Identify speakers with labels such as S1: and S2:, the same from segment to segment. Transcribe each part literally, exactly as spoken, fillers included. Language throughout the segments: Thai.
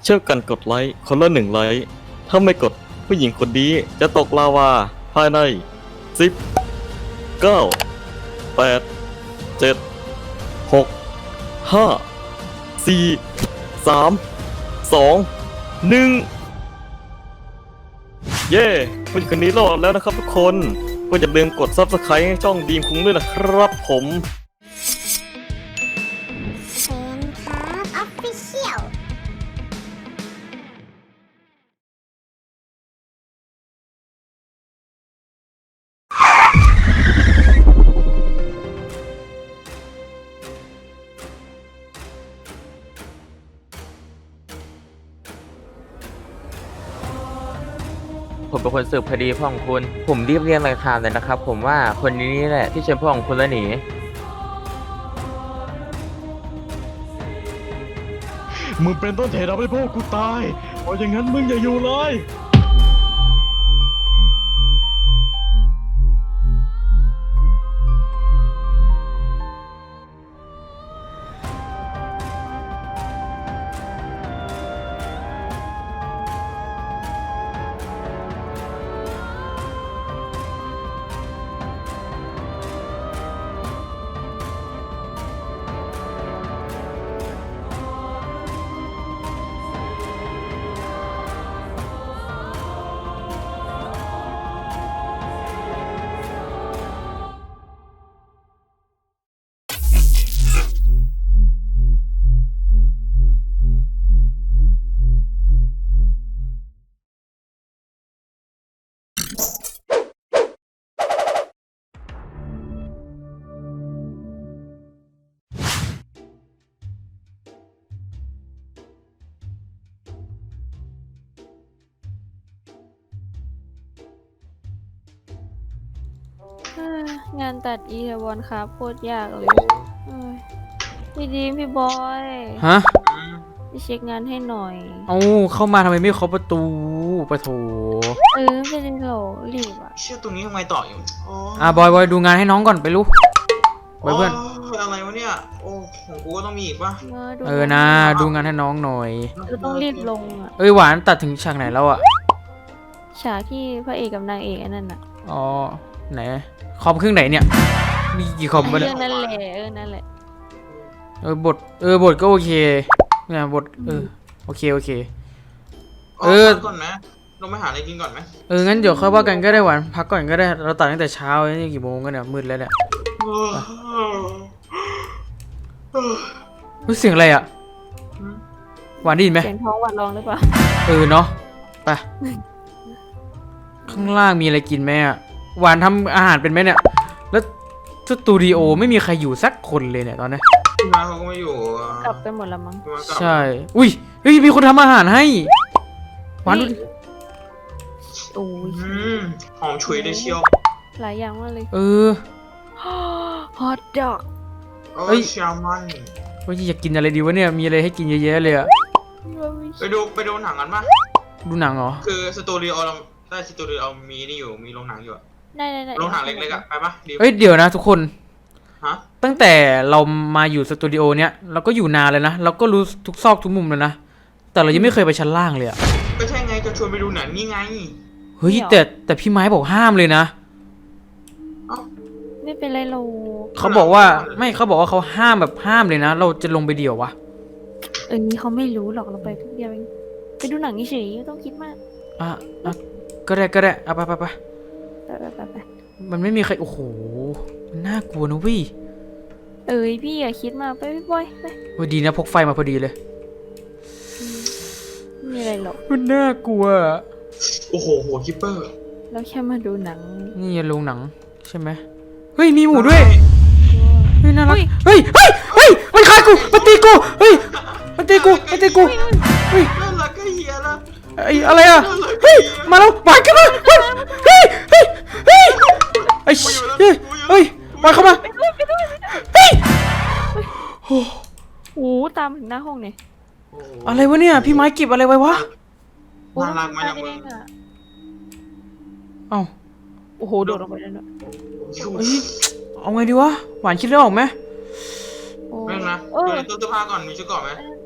S1: เช่วยกันกดไลค์คนละหนึ่งไลค์ถ้าไม่กดผู้หญิงคนนี้จะตกลาวาภายในสิบ เก้า แปด เจ็ด หก ห้า สี่ สาม สอง หนึ่งเย้ผู้หญิงคนนี้รอดแล้วนะครับทุกคนก็อย่าลืมกด ซับสไครบ์ ให้ช่องดีมคุ้งด้วยนะครับผม
S2: เชนครับออฟฟิเชียล
S3: ผมเป็นคนสืบคดีพ่อของคุณ ผมรีบเรียงรายการเลยนะครับ ผมว่าคนนี้นี่แหละที่เชิญพ่อของคุณแล้วหนี
S4: มึงเป็นต้นเหตุทำให้พ่อกูตายเพราะอย่างนั้นมึงอย่าอยู่เลย
S5: งานตัดอีเทวอนครับโคตรยากเลยเอ้ยพี่ดีมพี่บอย
S6: ฮะ
S5: พี่เช็คงานให้หน่อย
S6: เอาเข้ามาทำไมไม่เคาะประตูปะโถ
S5: เออไม่เป็นโหรีบอ่ะ
S7: เชื่อตรงนี้ทำไมต่ออยู่โอ้
S6: อ่ะบอยบอยดูงานให้น้องก่อนไปลูกบอยเพื่อน
S7: โอะไรวะเนี่ย โอ้ของกูก็ต้องมีอีกป่ะ
S5: มาดู
S6: เออนะดูงานให้น้องหน่อย
S5: เราต้องรีบลงอ่ะ
S6: เอ้ยหวานตัดถึงฉากไหนแล้วอ่ะ
S5: ฉากที่พระเอกกับนางเอกอันนั้นอ่ะ
S6: อ๋อไหนคอมเครื่องไหนเนี่ยมีกี่คอมวะเนี่
S5: เรื่
S6: ย
S5: องนั้นแหละเออนั่นแหละ
S6: เออบทเออบทก็โอเคเนี่ยบทเออโอเคโอเค เออ
S7: พักก่อนไหมลงไปหาอะไรกินก่อนไหม
S6: เอองั้นเดี๋ยวค่อยว่ากันก็ได้หวานพักก่อนก็ได้เราตัดตั้งแต่เช้านี่กี่โมงกันเนี่ยมืดแล้วเนี่ยเฮ้ยเสียงอะไรอ่ะหวานได้ยินไหม
S5: เสียงท้องหวัดร้องหรือเปล่า
S6: เออเนาะไปข้างล่างมีอะไรกินไหมอ่ะหวานทำอาหารเป็นไหมเนี่ยแล้วสตูดิโอไม่มีใครอยู่สักคนเลยเนี่ยตอนนี้
S7: พี่มาเขาก็ไม่อยู่
S5: กลับไปหมดละมั้ง
S7: พี่มากลับ
S6: ใช่อุ้ยเฮ้ยมีคนทำอาหารให้หวานดูดิ
S5: โอ้ย
S7: อืมหอมฉุยเลยเชียว
S5: หลายอย่างมากเลย
S6: เออ
S5: ฮอตดอก
S7: โอ้
S6: เอ้
S7: ย
S6: ย
S7: เชียวมัน
S6: ว่าอยากกินอะไรดีวะเนี่ยมีอะไรให้กินเยอะแยะเลยอะ
S7: ไปดูไปดูหนังกันป่ะ
S6: ดูหนังเหรอ
S7: คือสตูดิโอเราได้สตูดิโอมีนี่อยู่มีโรงหนังอยู่อะ
S5: ได้ได้ได้
S7: โรงหนังเล็กๆอะไปป่ะดี
S6: เอ้ยเดี๋ยวนะทุกคน
S7: ฮะ
S6: ตั้งแต่เรามาอยู่สตูดิโอเนี้ยเราก็อยู่นานเลยนะเราก็รู้ทุกซอกทุกมุมเลยนะแต่เรายังไม่เคยไปชั้นล่างเลยอะ
S7: ก็ใช่ไงจะชวนไปดูหนังนี่ไง
S6: เฮ้ยแต่แต่พี่ไม้บอกห้ามเลยนะ
S7: เอ้า
S5: ไม่เป็นไรเรา
S6: เขาบอกว่าไม่เขาบอกว่าเขาห้ามแบบห้ามเลยนะ เราจะลงไปเดี่ยววะ
S5: เออนี้เขาไม่รู้หรอกเราไปทุกเดียวเองไปดูหนังเฉยๆไม่ต้องคิดมาก
S6: อ่ะอ่ะก็ได้ก็ได้เอาไปไปไป
S5: ไปไปไปไป
S6: มันไม่มีใครโอ้โหมันน่ากลัวนะเวิ
S5: เอ้ยพี่อย่าคิดมากไปพี่บอยไป
S6: วันดีนะพกไฟมาพอดีเลย
S5: ไม่มีอะไรหรอก
S6: มันน่ากลัว
S7: โอ้โหหัวคิปเปอร์
S5: เราแค่มาดูหนัง
S6: นี่โรงหนังใช่ไหมเฮ้ยมีหมูด้วยเฮ้ยน่ารัก
S5: เฮ้ย
S6: เฮ้ยเฮ้ยเฮ้ยมันฆ่ากูมันตีกูเฮ้ยมันตีกูมันตีกูเฮ้ย
S7: น่ารักก็เฮียละ
S6: ไอ้อะไรอะเฮ้ยมาแล้วมาขึ้นมาเฮ้ยเฮ้ยเฮ้ยเฮ้ยไอ้เฮ้ยเฮ้ยมาเข้ามาเฮ้ยโอ้
S5: โอ้ตามถึงหน้าห้องเนี่ย
S7: โอ้โห
S6: อะไรวะเนี่ยพี่ไม้เก็บอะไรไว้วะ
S7: น่ารักไหมล่ะมึง
S6: เอ้า
S5: โอ้โหโดดลงไปแล้วเนอะ
S6: เฮ้ยเอาไงดีวะหวานคิดเรื่องออกไหม
S5: โอ้
S7: ไม่นะ
S5: เอ
S7: ดู
S5: อ
S7: ในตู้เสื้อผ้าก่อนมีชุดเกราะไหม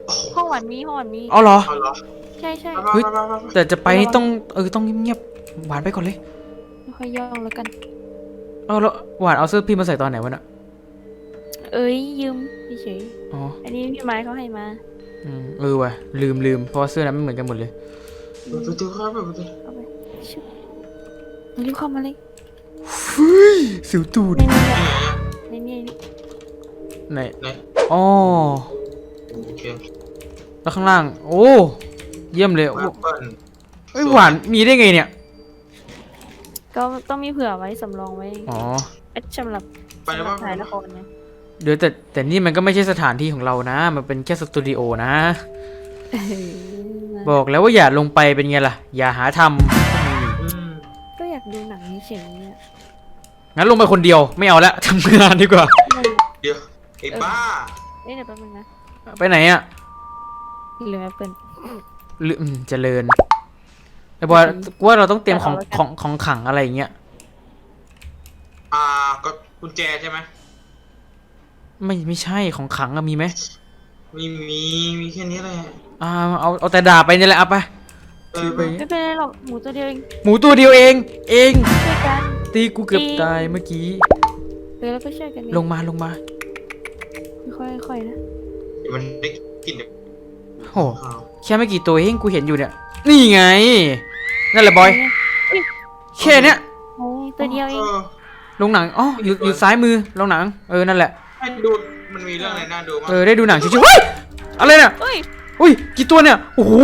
S5: ห้องหวานมีห้องหวานมี
S6: เอาเหรอ
S7: เอาเหรอ
S5: ใช่ใช่
S7: มา
S6: เฮ้ย
S7: มามามามา
S6: แต่จะไปนี่ต้องเออต้องเงียบๆหวานไปก่อนเลย
S5: ไม่ค่อยย่องแล้วกัน
S6: เอาแล้วหวานเอาเสื้อพี่มาใส่ตอนไหนวะน่ะ
S5: เอ้ยยืมเฉย
S6: อ๋อ
S5: ๆอันนี้พี่ไม้เขาให้มา
S6: อืมเออว่ะลืมลืมเพราะว่าเสื้อนั้นไม่เหมือนกันหมดเลย
S7: เปิดประตูครับเปิดประตู
S5: เอาไปชุบรีบเข้ามาเลย
S6: เฮ้ยสิวตูด
S5: ในนี้
S7: นี่ไงอะ
S5: ในนี้นี่
S6: ไหน
S7: ไหน
S6: อ๋อ
S7: โอเค
S6: แล้วข้างล่าง โอ้เยี่ยมเลย
S7: แอ
S6: โอ้
S7: ปเปิ้ล
S6: เอ้ยหวานมีได้ไงเนี่ย
S5: ก็ต้องมีเผื่อไว้สำรองไว้
S6: อ๋อ
S5: เอ๊ะสำหรับ
S7: ไปแล้ว
S5: สำหรั
S7: ว่า
S5: บถ่ายละครนะ
S6: เดี๋ยวแต่แต่นี่มันก็ไม่ใช่สถานที่ของเรานะ มันเป็นแค่สตูดิโอนะ
S5: เออ
S6: บอกแล้วว่าอย่าลงไปเป็นไงล่ะ อย่าหาท
S7: อืม
S5: ก็อยากดูหนังเฉยๆอะ
S6: ำงั้นลงไปคนเดียวไม่เอาละ ทำงานดีกว่า
S7: เดี๋ยวไอ้บ้า
S5: เอ๊ะเดี๋ยวแป๊บนึงนะ
S6: ไปไหนอ่ะ
S5: ลืมแอปเปิล
S6: ลืมเจริญไอ้บอยกูว่าเราต้องเตรียมของ
S5: เอาแล้วกัน
S6: ของของขังอะไรอย่างเงี้ย
S7: อ่าก็กุญแจใช่ไหม
S6: ไม่ไม่ใช่ของขังอะมีไหม
S7: มีมีมีแค่นี้แหละ
S6: อ่าเอาเอาแต่ดาบไปนี่แหละเอาไป
S7: เอ
S6: ถื
S7: อ
S6: อ
S7: ไป
S6: ไป
S5: ไม่เป็นไรหรอกหมูตัวเดียวเอง
S6: หมูตัวเดียวเอง เอง
S5: ช่วยกัน
S6: ตีกูเกือบ
S5: ตี
S6: ตายเมื่อกี้
S5: เออแล้วก็ช่วยกันนี่
S6: ลงมาลงมา
S5: ค่อยๆค่อยๆนะ
S7: เดี๋ยวมันได้กินเดี๋ยว
S6: โอ้
S7: ข้าว
S6: แค่ไม่กี่ตัวเองกูเห็นอยู่เนี่ย นี่ไง นั่นแหละบอย แค่เนี้ย
S5: โอ้ยตัวเดียวเอง
S7: เออ
S6: ลงหนัง อ๋อ อยู่อยู่ซ้ายมือลงหนัง เออ นั่นแหละ
S7: ให้ดูมันมีเรื่องอะไรน่าดูมั้ง
S6: เออ ได้ดูหนังชิวๆเฮ้ย อะไรเนี่ย
S5: เฮ้ย
S6: อุ้ย กี่ตัวเนี่ย โอ้โห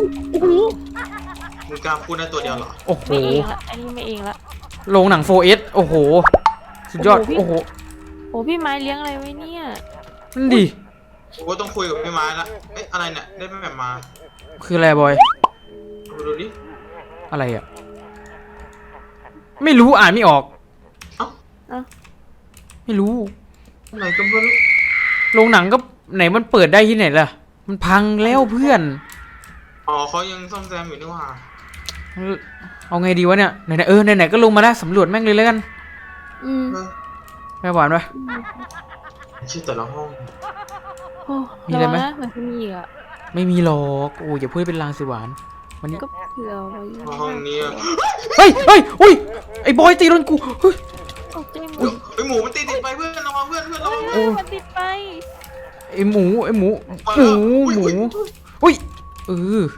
S7: มึงกล้าพูดได้ตัวเดียวเหรอ
S6: โอ้โห
S5: ไม่เองละอันนี้ไม่เองละ
S6: โรงหนัง โฟร์เอส โอ้โห สุดยอด
S5: โอ้โห
S6: โอ้โห
S5: โอ้พี่ไม้เลี้ยงอะไรไว้เนี่ย
S6: นั่นดิ
S7: กูก็ต้องคุยกับพี่ไม้ละเอ๊ะอะไรเนี่ยได้แบบมา
S6: คืออะไรบอย
S7: ดูดูดิ
S6: อะไรอ่ะ ไม่รู้อ่านไม่ออก
S7: เอ้า
S5: เอ้า
S6: ไม่รู้
S7: อะไรก็ไม่รู้
S6: โรงหนังก็ไหนมันเปิดได้ที่ไหนล่ะ มันพังแล้วเพื่อน
S7: อ๋อเขายังซ่อมแซมอยู่นี่หว่า
S6: เอาไงดีวะเนี่ย ไหนๆเออ ไหนๆก็ลงมาแล้วสำรวจแม่งเลยแล้วกัน
S5: อืม
S7: เออ
S6: แม่หวานปะ
S7: ชื่อแต่ละห้อง
S5: โอ้
S6: มีอะไรไหม
S5: ระวังนะเหมือนจะมีอีกอ่ะ
S6: ไม่มีหรอก โอ้ยอย่าพูดให้เป็นลางสิหวานวันนี้
S5: ก็เผื่อไว้
S7: ห้องนี้อะ
S6: เฮ้ยเฮ้ยอุ้ย ไอ้บอยตีโดนกู เฮ้ย
S5: ตกใจหม
S7: เฮ้ย
S5: ด
S7: เฮ้ยหมูมันตีติดไปเพื่อนระวังเพื่อนเพื่อนระวัง
S5: เอ
S7: เพื่อน
S5: อมันติดไป
S6: ไอ้หมู ไอ้หมู
S7: มา
S6: ห
S7: แล้
S6: มู
S7: ว
S6: หมู
S7: อุ๊ย
S6: อุ้ย เออ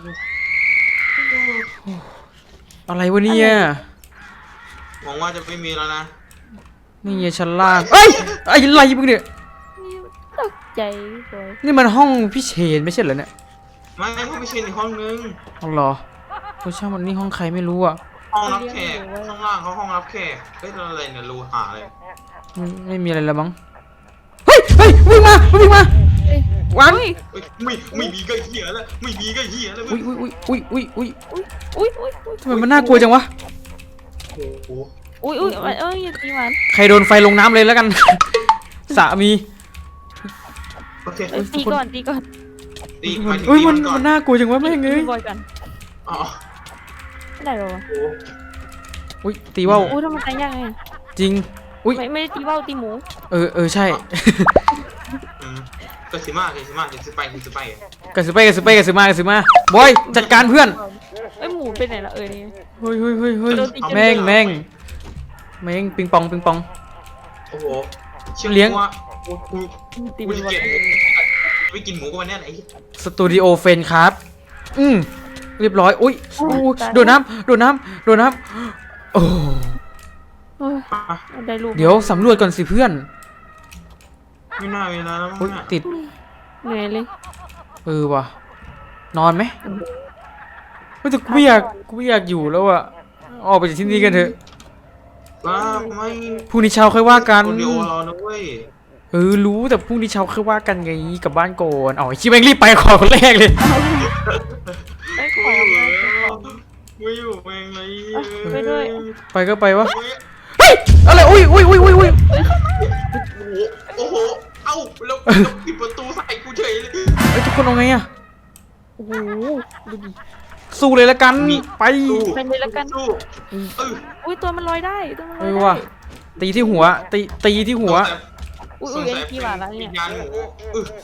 S6: อะไรวะเนี่ย
S7: หวังว่าจะไม่มีแล้วนะ
S6: นี่ไงชั้นล่างเอ้ยไอ้ไรมึงเนี่ย
S5: ตกใจบอย
S6: นี่มันห้องพี่เชนไม่ใช่เหรอเนี่ย
S7: ไม่ห้องไม่ใช่ในห้องนึง
S6: เอาเหรอโอ้ช่างมันนี่ห้องใครไม่รู้อ่ะ
S7: ห้องรับแขกข้างล่างเขาห้องรับแขกเฮ้ยอะไรเนี่ยรูหาเลย
S6: ไม่ไม่มีอะไรแล้วมั้ง เฮ้ย เฮ้ยวิ่งมาวิ่งมาหวาน
S5: อุ้ย
S7: เฮ้ยไม่ไม่มีก็เหี้ยแล้วไม่มีก็เหี้ยแล้ว
S6: อุ้ยอุ้ยอุ้ยอุ้ยอุ้ยอุ้ย
S5: อุ้ยอุ้ยอุ้ย
S6: ทำไมมันน่ากลัวจังวะ
S7: โอ้โห
S5: อุ้ยอุ้ยเอ้ยอย่าตีมัน
S6: ใครโดนไฟลงน้ำเลยแล้วกัน สามี
S7: โอเค
S5: เอ้ยตีก่อนตีก่อน
S7: ตีหมายถึง
S6: เฮ้ย
S7: ตี
S6: มั
S7: มัน นก่อ
S6: มัน นน่ากลัวจังวะแม่งเอ้ย
S5: ตีบอยกัน
S7: อ๋อ
S5: ไม่ได้หรอวะ
S7: โอ้โห
S6: อุ้ยตีว่าว
S5: อุ้ยทำไมตายยากไง
S6: จริง อุ้ย
S5: ไม่ไม่ได้ตีว่าวตีหมู
S6: เออเออใช่
S7: อืมก็สิมาก็สิมาก็สิไปก็สิไป
S6: กระสือไปกระสือไปกระสือมากระสือมาบอยจัดการเพื่อน
S5: เอ้ยหมูไปไหนละเออนี่
S6: เฮ้ยเฮ้ยเฮ้ยเฮ้ย
S5: โดนตีจน
S6: แม่งแม่งแม่งปิงปองปิงปอง
S7: โอ้โหชื่อ
S6: เลี้ยง
S7: ว่ากูกู
S5: ตี
S7: กู
S5: เป็น
S7: จะ
S5: วัน
S7: เกลียดไม่กินหมูกับมันแน่ไอ้
S6: สตูดิโอเฟนครับ อืมเรียบร้อย อุ้ยอู้โดดน้ำโดดน้ำโดดน้ำโอ้
S5: เอ้ยได้ลูก
S6: เดี๋ยวสำรวจก่อนสิเพื่อน
S7: ไม่น่าเวลาแล้วมั้ง
S6: อุ้ย
S7: น่ะ
S6: ติด
S5: เหนื่อยเลย
S6: เออว่ะ นอนไหมเฮ้ยแต่กูไม่อยากกูไม่อยากอยู่แล้วอะออกไปจากที่นี่กันเถอะ
S7: ว้าไม่
S6: พรุ่งนี้เช้าค่อยว่ากัน
S7: สตูดิโอเรานะเว้ย
S6: เออรู้แต่พรุ่งนี้เช้าค่อยว่ากันไงกลับบ้านก่อนเอาไอ้ชิแม่งรีบไปขอคนแรกเลย
S5: ไอ้ยขอ
S7: ไม่อยู่
S5: มา
S7: แล้วไม่อยู่แม่งเลย
S5: ไปด้วย
S6: ไปก็ไปวะ
S7: เฮ้ย
S6: เฮ้ยอะไรอุ้ยอุ้ยอุ้ยอุ้ยอุ้ย
S7: โอ้โห เอ้าแล้วแล้วปิดประตูใส่กูเฉยเลย
S6: ไอ้ยทุกคนเอาไงอะ
S5: โอ้โหดูดิ
S6: สู้เลยละกันไป
S7: สู้
S5: ไปเลยละกัน
S7: สู้เออ
S5: อุ้ยตัวมันลอยได้ตัวมันล
S6: เอ
S5: อย
S6: อ
S5: ได้
S6: ว่ะตีที่หัวตีตีที่หัว
S5: อุ้ย
S7: ส
S5: อุ้
S7: ง
S5: ย
S7: สั
S5: ไอ้กี่บาทแล้วเนี่ย
S7: วิญญาณหมูเออ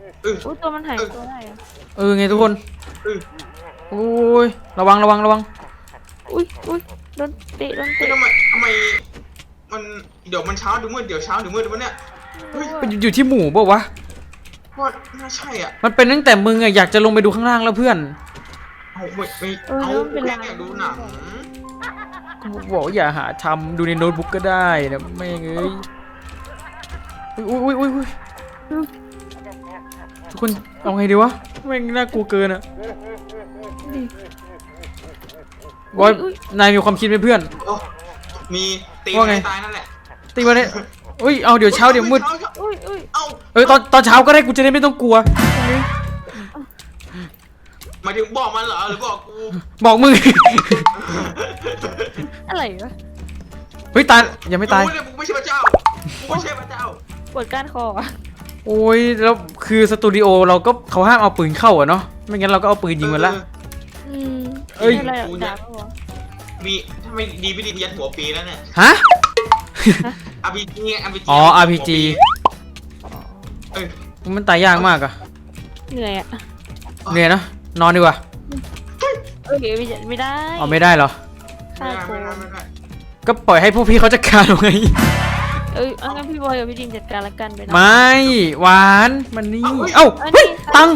S7: เออ
S5: อุ้ยตัวมันหายตัวได้อะ
S6: เออไงทุกคน
S7: เออ
S6: โอ้ยระวังระวังระวัง
S5: อุ้ยอุ้ยโดนเตะโดน
S7: เฮ้ย
S5: เตะ
S7: ทำไมทำไมมันเดี๋ยวมันเช้าเดี๋ยวมืดเดี๋ยวเช้าเดี๋ยวมืดเดี๋ยวมันเนี่ยเฮ้ย
S6: มันอยู่ที่หมู่ป่าวะ
S7: ว่าน่าใช่อ่ะ
S6: มันเป็นตั้งแต่มึงอะอยากจะลงไปดูข้างล่างแล้วเพื่อน
S7: เอาไม่ไม่
S5: เออ
S7: เอา
S5: แล้วมันเป็น
S7: แค่
S5: ไร
S7: อยากดูหนัง
S6: บอกว่าอย่าหาทำดูในโน้ตบุ๊กก็ได้นะไม่งเอ้ยอุ้ยอุ้ยอุ้ยอุ้ยทุกคนเอาไงดีวะแม่งน่ากลัวเกินอะบอยนายมีความคิดไหมเพื่อน
S7: โอ้มีตี
S6: ว่าไง
S7: ไม่ตายนั่นแหละ
S6: ตีมาเนี่ยอุ้ยเอาเดี๋ยวเช้าเดี๋ยวมืด
S5: อุ้ยอุ้ย
S7: เอา
S6: เออตอนตอนเช้าก็ได้กูจะได้ไม่ต้องกลัว
S7: หมายถึงบอกมันเหรอหรือบอกกู
S6: บอกมึง
S5: อะไรวะ
S6: เฮ้ยตายยังไม่ตาย
S7: กูเนี่ยกูไม่ใช่พระเจ้ากูไม่ใช่พระเจ้า
S5: ปวดก้านคออะ
S6: โอ้ยแล้วคือสตูดิโอเราก็เขาห้ามเอาปืนเข้าอะเนาะไม่งั้นเราก็เอาปืนยิงมันละ
S5: อืม
S6: เอ้ย
S5: อะไรอะด่าเขาเหรอ
S7: มีทำไมดีไม่ดียันหัวปีแล้วเนี่ย
S6: ฮะ
S7: อาร์พีจีอาร์พีจี
S6: อ๋อ อาร์ พี จี
S7: เอ้ย
S6: มันตายยากมากอะ
S5: เหนื่อยอะ
S6: เหนื่อยนะนอนดีกว่า
S5: เอ้ยไม่ไม่ได้
S6: อ๋อไม่ได้เหรอ
S5: ฆ่า
S7: ไม่
S5: โก
S7: ได้
S5: ง
S7: ไม่ได้ไม่ได้
S6: ก็ปล่อยให้พวกพี่เขาจัดการเอาไง
S5: เอ้ยเอางั้นพี่บอยกับพี่ดิมจัดการละกันไปนะ
S6: ไม่หวานมันนี่เอ้า
S5: อัน
S6: เฮ้ย
S5: นี้
S6: ตังค์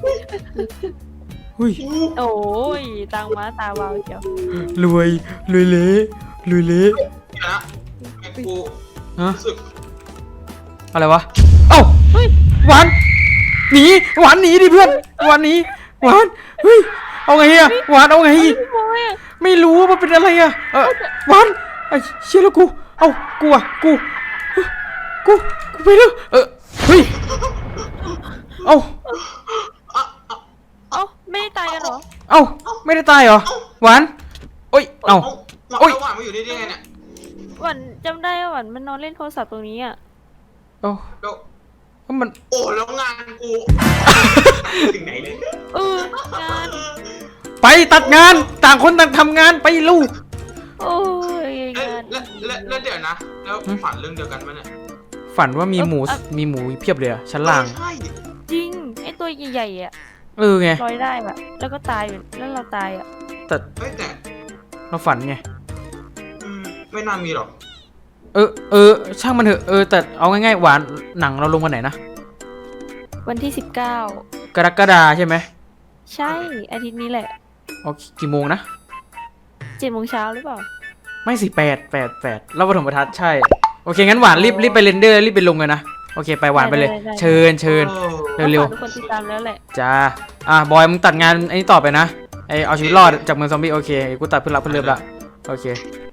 S6: เฮ้ย
S5: โอ้ยตังม้าตาวาวเจียว
S6: รวยรวยเละรวยเละ
S7: เดี๋ยวนะไอ้กู
S6: ฮะ
S7: รู้สึก
S6: อะไรวะเอ้าหวานหนีหวานหนีดิเพื่อนหวานหนีหวานเฮ้ยเอาไงอะหวานเอาไง
S5: พี่บอยอะ
S6: ไม่รู้ว่ามันเป็นอะไรอะเออหวานไอ้เชี่ยแล้วกูเอ้ากูอะกูกูกูไปแล้วเออเฮ้ยเอ้า
S5: เอ้าไม่ได้ตายกันเหรอ
S6: เอ้าไม่ได้ตายเหรอหวานโอ้ยเอ้า
S7: เอา
S6: โอ๊ย
S7: เอาหวานมาอยู่นี่ได้ไงเนี่ย
S5: หวันจำได้ว่าหวันมันนอนเล่นโทรศัพท์ตรงนี้อ่ะ
S6: เอ้า
S7: แล้ว
S6: มัน
S7: โอ้แล้วงานกูถึงไหนเลย
S5: เอองาน
S6: ไปตัดงานต่างคนต่างทำงานไปลูก
S5: โอ้ย
S7: แล้ว
S5: งาน
S7: แล้วแล้วแล้วเดี๋ยวนะ แล้วฝันเรื่องเดียวกันปะเนี่ย
S6: ฝันว่ามีหมูมีหมูเพียบเลยอะชั้นล่าง
S7: เออใช่
S5: จริงไอตัวใหญ่ๆอ่ะ
S6: เออไง
S5: ลอยได้แบบแล้วก็ตายอยู่แล้วเราตายอ่ะ
S6: แต่
S7: เฮ้ยแต่
S6: เราฝันไง
S7: อืมไม่น่ามีหรอก
S6: เออเออช่างมันเถอะเออแต่เอาง่ายๆหวานหนังเราลงวันไหนนะ
S5: วันที่สิบเก้าก
S6: รกฎาใช่ไหม
S5: ใช่อาทิตย์นี้แหละ
S6: เอากี่โมงนะ
S5: เจ็ดโมงเช้าหรือเปล่า
S6: ไม่สิแปดแปดแปดเราปฐมทัศน์ใช่โอเคงั้นหวานรีบรีบไปเรนเดอร์รีบไปลงเลยนะโอเคไปหวานไปเลย เชิญเชิญ
S7: เออ
S6: เร็ว
S5: ฝากทุกคนติดตามแล้วแหละ
S6: ๆจ้าอ่ะบอยมึงตัดงานไอ้นี้ต่อไปนะไอเอาชีวิตรอดจากเมืองซอมบี้โอเคกูตัดเพื่อนรักเพื่อนเลิฟละโอเค